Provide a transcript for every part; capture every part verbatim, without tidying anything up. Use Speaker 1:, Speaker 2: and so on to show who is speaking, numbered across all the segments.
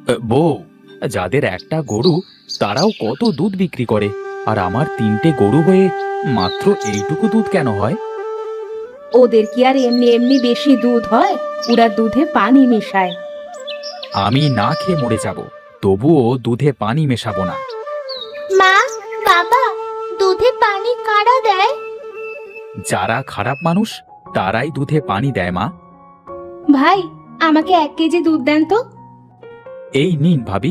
Speaker 1: বউ, যাদের একটা গরু তারাও কত দুধ বিক্রি করে, আর আমার তিনটে গরু হয়ে মাত্র এইটুকু দুধ কেন হয়?
Speaker 2: ওদের কি আর এমনি এমনি বেশি দুধ হয়? ওরা দুধে পানি মেশায়।
Speaker 1: আমি না খেয়ে মরে যাব, তবুও দুধে পানি মেশাবো না।
Speaker 3: মা, বাবা, দুধে পানি কারা দেয়?
Speaker 1: যারা খারাপ মানুষ তারাই দুধে পানি দেয় মা।
Speaker 2: ভাই, আমাকে এক কেজি দুধ দেন তো।
Speaker 1: এই নিন ভাবি।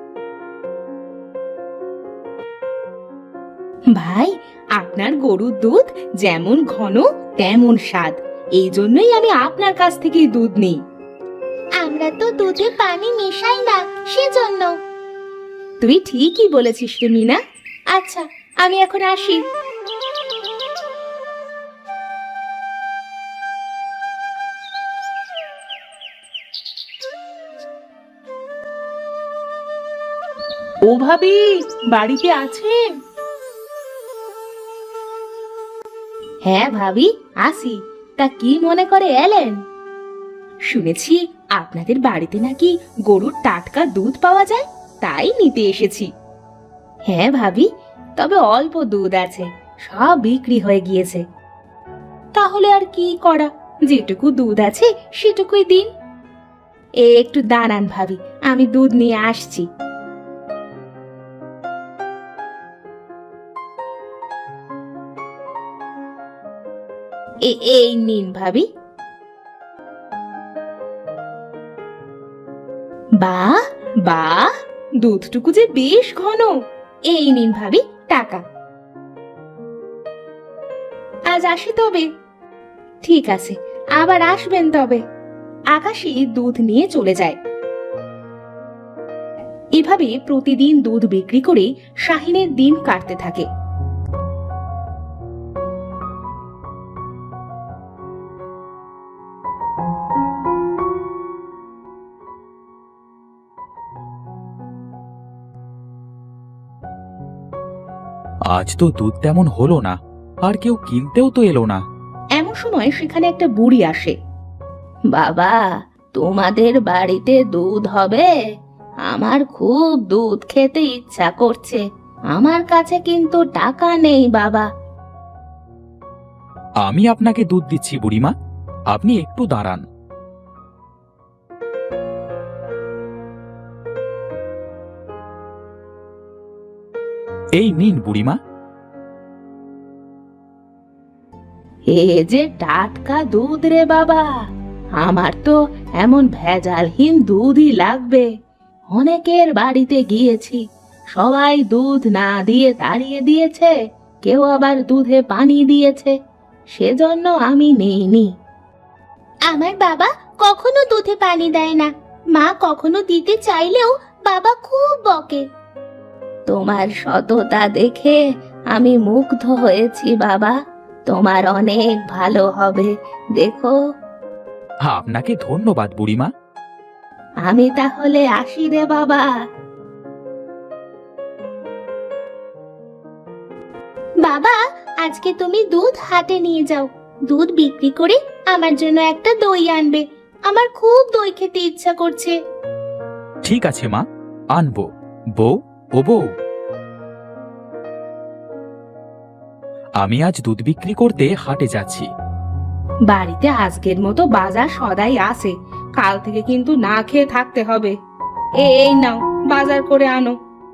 Speaker 2: ভাই, আপনার গরুর দুধ যেমন ঘন তেমন স্বাদ, এই জন্যই আমি আপনার কাছ থেকেই দুধ নিই।
Speaker 3: আমরা তো দুধে পানি মেশাই না, সেজন্য।
Speaker 2: তুই ঠিকই বলেছিস রে মিনা। আচ্ছা, আমি এখন আসি। ও ভাবি, বাড়িতে আছেন? হ্যাঁ ভাবি, আসি। তা কি মনে করে এলেন? শুনেছি আপনাদের বাড়িতে নাকি গরুর টাটকা দুধ পাওয়া যায়, তাই নিতে এসেছি। হ্যাঁ ভাবি, তবে অল্প দুধ আছে, সব বিক্রি হয়ে গিয়েছে। তাহলে আর কি করা, যেটুকু দুধ আছে সেটুকুই দিন। এ একটু দাঁড়ান ভাবি, আমি দুধ নিয়ে আসছি। এ- এই নিন ভাবি। বাহ বাহ, দুধটুকু যে বেশ ঘন। এই নিন ভাবি টাকা। আজ আসি তবে। ঠিক আছে, আবার আসবেন তবে। আকাশী দুধ নিয়ে চলে যায়। এভাবে প্রতিদিন দুধ বিক্রি করে শাহিনের দিন কাটতে থাকে।
Speaker 1: আজ তো দুধ তেমন হলো না, আর কেউ কিনতেও তো এলো না।
Speaker 2: এমন সময় সেখানে একটা বুড়ি আসে। বাবা, তোমাদের বাড়িতে দুধ হবে? আমার খুব দুধ খেতে ইচ্ছা করছে, আমার কাছে কিন্তু টাকা নেই বাবা।
Speaker 1: আমি আপনাকে দুধ দিচ্ছি বুড়িমা, আপনি একটু দাঁড়ান। এই নিন বুড়িমা।
Speaker 2: এ যে টাটকা দুধ রে বাবা, আমার তো এমন ভেজালহীন দুধই লাগবে। অনেকের বাড়িতে গিয়েছি, সবাই দুধ না দিয়ে তাড়িয়ে দিয়েছে, কেউ আবার দুধে পানি দিয়েছে, সেজন্য আমি নেইনি।
Speaker 3: আমার বাবা কখনো দুধে পানি দেয় না, মা কখনো দিতে চাইলেও বাবা খুব বকে।
Speaker 2: তোমার সততা দেখে আমি মুগ্ধ হয়েছি বাবা, তোমার অনেক ভালো হবে, দেখো।
Speaker 1: আপনাকে ধন্যবাদ বুড়িমা।
Speaker 2: আমি তাহলে আসি রে বাবা।
Speaker 3: বাবা, আজকে তুমি দুধ হাটে নিয়ে যাও, দুধ বিক্রি করে আমার জন্য একটা দই আনবে, আমার খুব দই খেতে ইচ্ছা করছে।
Speaker 1: ঠিক আছে মা, আনবো। বউ, ও বউ, আমি আজ দুধ বিক্রি করতে হাটে যাচ্ছি।
Speaker 2: বাড়িতে আজকের মতো বাজার সদাই আছে, কাল থেকে কিন্তু না খেয়ে থাকতে হবে। এ- এই নাও, বাজার করে আনো।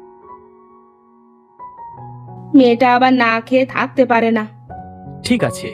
Speaker 2: মেয়েটা আবার না খেয়ে থাকতে পারে না।
Speaker 1: ঠিক আছে।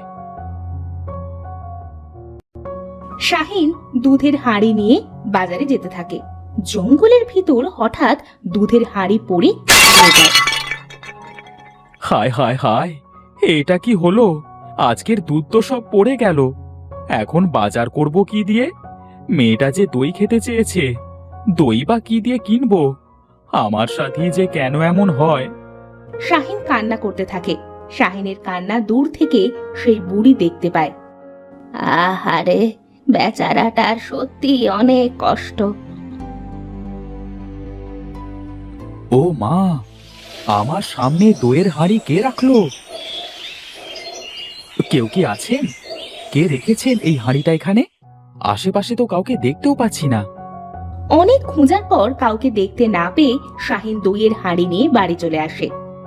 Speaker 2: শাহিন দুধের হাঁড়ি নিয়ে বাজারে যেতে থাকে। জঙ্গলের ভিতর হঠাৎ দুধের হাঁড়ি পড়ে পড়ে যায়।
Speaker 1: হায় হায় হায়, এটা কি হলো? আজকের দুধ তো সব পড়ে গেল। এখন বাজার করব কি দিয়ে? মেয়েটা যে দই খেতে চেয়েছে, দই বা কি দিয়ে কিনবো? আমার সাথে যে কেন এমন হয়?
Speaker 2: শাহিন কান্না করতে থাকে। শাহিনের কান্না দূর থেকে সেই বুড়ি দেখতে পায়। আহারে, বেচারাটার সত্যি অনেক কষ্ট।
Speaker 1: ও মা, আমার সামনে দইয়ের হাঁড়ি কে রাখলো? কেউ কি আছেন? কে রেখেছেন এই হাঁড়িটা এখানে? আশেপাশে তো কাউকে দেখতেও পাচ্ছি না।
Speaker 2: অনেক খোঁজার পর কাউকে দেখতে না পেয়ে শাহিন দইয়ের হাঁড়ি নিয়ে বাড়ি চলে আসে।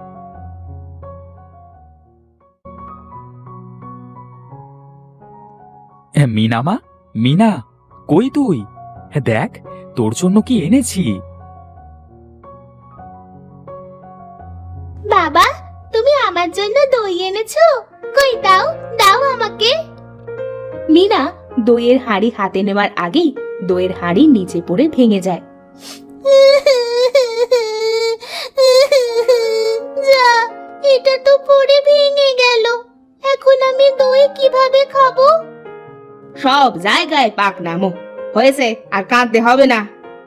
Speaker 1: মিনা মা, মিনা, কই তুই? দেখ তোর জন্য কি এনেছি।
Speaker 3: বাবা, তুমি আমার জন্য দই এনেছো? কই দাও, দাও আমাকে।
Speaker 2: মিনা দইয়ের হাঁড়ি হাতে নেওয়ার আগেই দইয়ের হাঁড়ি নিচে পড়ে ভেঙে যায়।
Speaker 3: যা, এটা তো পড়ে ভেঙে গেল। এখন আমি দই কিভাবে খাবো?
Speaker 2: সব জায়গায় পাক নামো হয়েছে, আর কাঁদতে হবে না।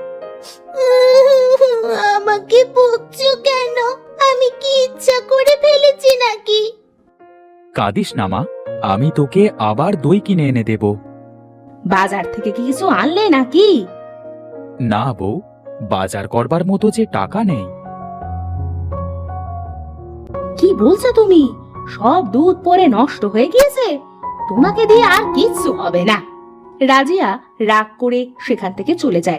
Speaker 3: আমাকে বকছো কেন? আমি কি ইচ্ছা করে ফেলেছি নাকি?
Speaker 1: কাঁদিস না মা, আমি তোকে আবার দই কিনে এনে দেব।
Speaker 2: বাজার থেকে কি কিছু আনলে নাকি?
Speaker 1: না বউ, বাজার করবার মতো যে টাকা নেই।
Speaker 2: কি বলছো তুমি? সব দুধ পরে নষ্ট হয়ে গিয়েছে, তোমাকে দিয়ে আর কিচ্ছু হবে না। রাজিয়া রাগ করে সেখান থেকে চলে যায়।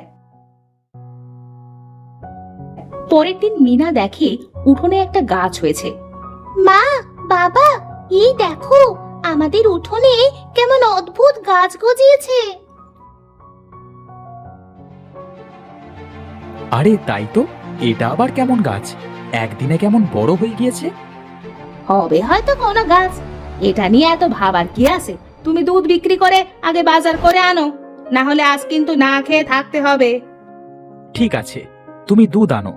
Speaker 2: পরের দিন মিনা দেখে উঠোনে একটা গাছ হয়েছে।
Speaker 3: মা, বাবা, এই দেখো আমাদের উঠোনে কেমন অদ্ভুত গাছ গজিয়েছে।
Speaker 1: আরে তাই তো, এটা আবার কেমন গাছ? একদিনে কেমন বড় হয়ে গিয়েছে।
Speaker 2: হবে হয়তো কোনো গাছ, এটা নিয়ে এত ভাবার কি আছে? তুমি দুধ বিক্রি করে আগে বাজার করে আনো, না হলে আজ কিন্তু না খেয়ে থাকতে হবে।
Speaker 1: ঠিক আছে, তুমি দুধ আনো।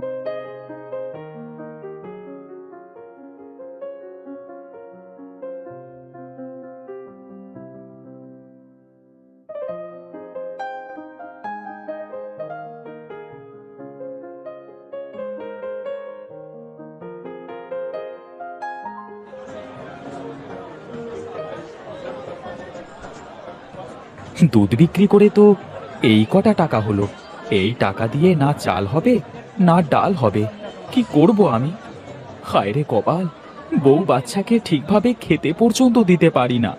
Speaker 1: দুধ বিক্রি করে তো এই কটা টাকা হলো। এই টাকা দিয়ে না চাল হবে না ডাল হবে, কি করব আমি? হায় রে কপাল, বউ বাচ্চাকে ঠিকভাবে খেতে পর্যন্ত দিতে পারি না।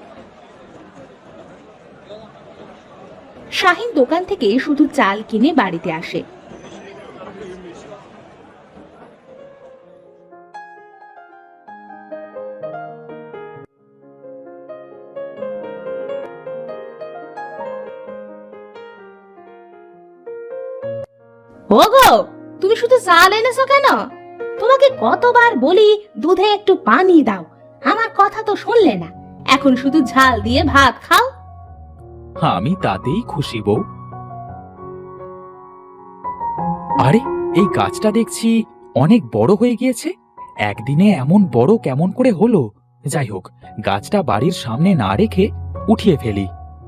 Speaker 2: শাহিন দোকান থেকে শুধু চাল কিনে বাড়িতে আসে। ওগো, তুমি শুধু চাল এনেছো কেন? তোমাকে কতবার বলি দুধে একটু পানি দাও, আমার কথা তো শুনলে না। এখন শুধু ঝাল দিয়ে ভাত খাও।
Speaker 1: আমি তাতেই খুশি বউ। আরে এই গাছটা দেখছি অনেক বড় হয়ে গিয়েছে। একদিনে এমন বড় কেমন করে হলো? যাই হোক, গাছটা বাড়ির সামনে না রেখে উঠিয়ে ফেলি।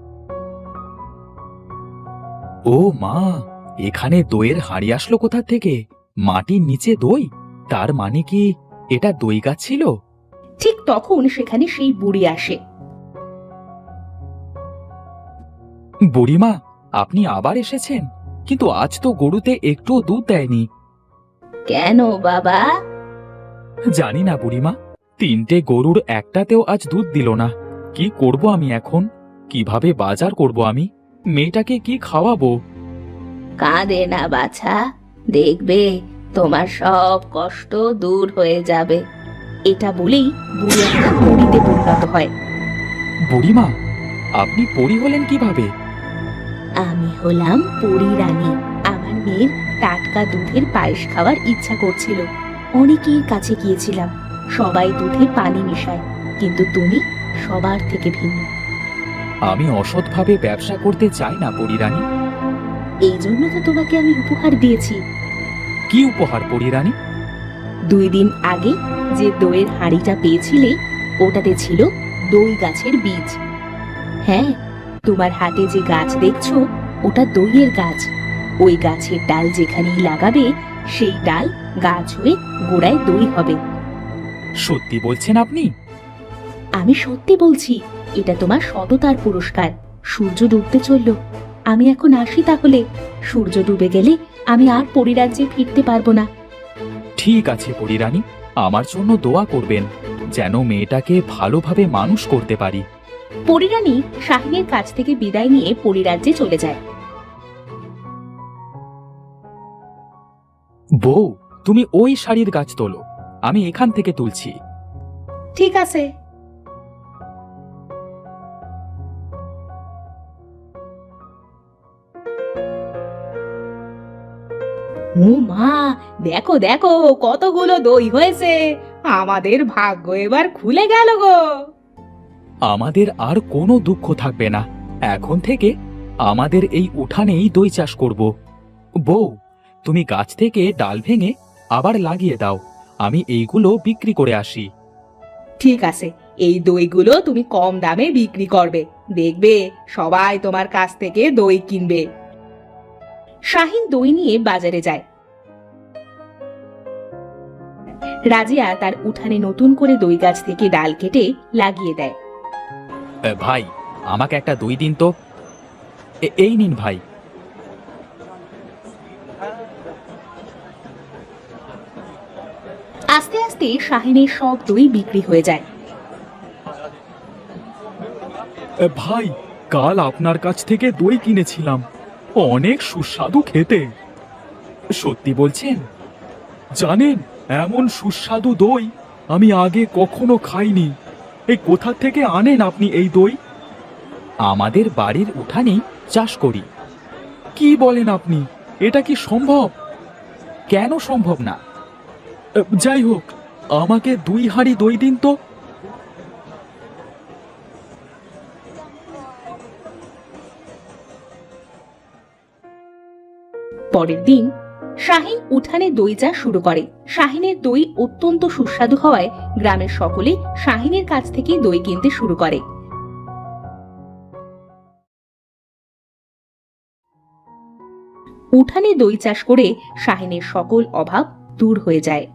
Speaker 1: ও মা, এখানে দইয়ের হাঁড়ি আসলো কোথা থেকে? মাটির নিচে দই, তার মানে কি এটা দই গাছ ছিল?
Speaker 2: ঠিক তখন সেখানে সেই বুড়ি আসে।
Speaker 1: বুড়িমা, আপনি আবার এসেছেন? কিন্তু আজ তো গরুতে একটুও দুধ দেয়নি।
Speaker 2: কেন বাবা?
Speaker 1: জানি না বুড়িমা, তিনটে গরুর একটাতেও আজ দুধ দিল না। কি করব আমি এখন? কিভাবে বাজার করব আমি? মেয়েটাকে কি খাওয়াবো?
Speaker 2: কাঁদে না বাছা, দেখবে তোমার সব কষ্ট দূর হয়ে যাবে। এটা বলেই বুড়ি একটা পরীতে পরিণত হয়।
Speaker 1: বুড়িমা, আপনি পরি হলেন কিভাবে?
Speaker 2: আমি হলাম পরী রানী। আমার মেয়ের টাটকা দুধের পায়েস খাওয়ার ইচ্ছা করছিল। অনেকের কাছে গিয়েছিলাম, সবাই দুধে পানি মিশায়, কিন্তু তুমি সবার থেকে ভিন্ন।
Speaker 1: আমি অসৎভাবে ব্যবসা করতে চাই না পরি রানী।
Speaker 2: এই জন্য তো তোমাকে আমি উপহার দিয়েছি।
Speaker 1: কি উপহার পরি রানী?
Speaker 2: দুই দিন আগে যে দইয়ের হাঁড়িটা পেয়েছিলে, ওটাতে ছিল দই গাছের বীজ। হ্যাঁ, তোমার হাতে যে গাছ দেখছো, ওটা দইয়ের গাছ। ওই গাছের ডাল যেখানেই লাগাবে, সেই ডাল গাছ হয়ে গোড়ায় দই হবে।
Speaker 1: সত্যি বলছেন আপনি?
Speaker 2: আমি সত্যি বলছি, এটা তোমার সততার পুরস্কার। সূর্য ডুবতে চলল, আমি এখন আসি তাহলে। সূর্য ডুবে গেলে আমি আর পরিরাজ্যে ফিরতে পারবো না।
Speaker 1: ঠিক আছে পরি রানী, আমার জন্য দোয়া করবেন যেন মেয়েটাকে ভালোভাবে মানুষ করতে পারি।
Speaker 2: পরিরানী শাহিনের কাছ থেকে বিদায় নিয়ে পরিরাজ্যে চলে যায়।
Speaker 1: বউ, তুমি ওই শাড়ির গাছ তোলো, আমি এখান থেকে তুলছি।
Speaker 2: ঠিক আছে। ও মা, দেখো দেখো কতগুলো দই হয়েছে। আমাদের ভাগ্য এবার খুলে গেল গো।
Speaker 1: আমাদের আর কোনো দুঃখ থাকবে না। এখন থেকে আমাদের এই উঠানেই দই চাষ করব। বউ, তুমি গাছ থেকে ডাল ভেঙে আবার লাগিয়ে দাও, আমি এইগুলো বিক্রি করে আসি।
Speaker 2: ঠিক আছে, এই দইগুলো তুমি কম দামে বিক্রি করবে, দেখবে সবাই তোমার কাছ থেকে দই কিনবে। শাহিন দই নিয়ে বাজারে যায়। রাজিয়া তার উঠানে নতুন করে দই গাছ থেকে ডাল কেটে লাগিয়ে দেয়।
Speaker 1: এ, ভাই, আমাকে একটা দই দিন তো। এ- এই নিন ভাই।
Speaker 2: আস্তে আস্তে শাহিনের সব দই বিক্রি হয়ে যায়।
Speaker 1: এ, ভাই, কাল আপনার কাছ থেকে দই কিনেছিলাম, অনেক সুস্বাদু খেতে। সত্যি বলছেন? জানেন, এমন সুস্বাদু দই আমি আগে কখনো খাইনি। এই কোথা থেকে আনেন আপনি এই দই? আমাদের বাড়ির উঠানেই চাষ করি। কি বলেন আপনি? এটা কি সম্ভব? কেন সম্ভব না? এ, যাই হোক, আমাকে দুই হাঁড়ি দই দিন তো।
Speaker 2: পরের দিন শাহিন উঠানে দই চাষ শুরু করে। শাহিনের দই অত্যন্ত সুস্বাদু হওয়ায় গ্রামের সকলে শাহিনের কাছ থেকে দই কিনতে শুরু করে। উঠানে দই চাষ করে শাহিনের সকল অভাব দূর হয়ে যায়।